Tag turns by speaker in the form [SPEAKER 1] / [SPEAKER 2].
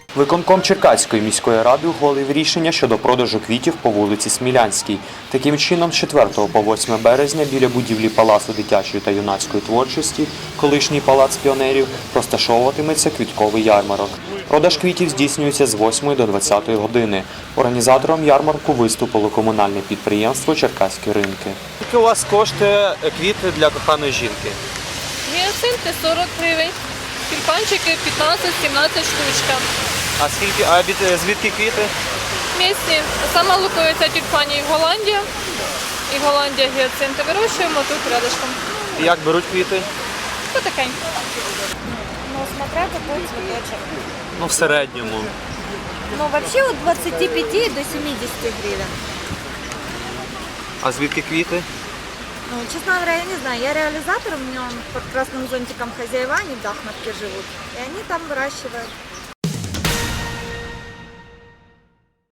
[SPEAKER 1] Виконком Черкаської міської ради ухвалив рішення щодо продажу квітів по вулиці Смілянській. Таким чином, з 4 по 8 березня біля будівлі Палацу дитячої та юнацької творчості, колишній Палац піонерів, розташовуватиметься квітковий ярмарок. Продаж квітів здійснюється з 8 до 20 години. Організатором ярмарку виступило комунальне підприємство «Черкаські ринки».
[SPEAKER 2] Скільки у вас коштує квіти для коханої жінки?
[SPEAKER 3] Гіацинти 40 гривень, тюльпанчики 15-17 штучка.
[SPEAKER 2] А звідки квіти?
[SPEAKER 3] Місні. Сама лукується тюльпанів Голландія. І Голландія гіацинти вирощуємо тут рядышком.
[SPEAKER 2] І як беруть квіти?
[SPEAKER 3] Потихеньку.
[SPEAKER 4] Ну, смотря какой цветочек.
[SPEAKER 2] Ну, в середньому.
[SPEAKER 4] Ну, вообще от 25 до 70 гривен.
[SPEAKER 2] А звідки квіти?
[SPEAKER 4] Ну, честно говоря, я не знаю. Я реализатор, у меня он под красным зонтиком хозяева, они в Дахновке живут. И они там выращивают.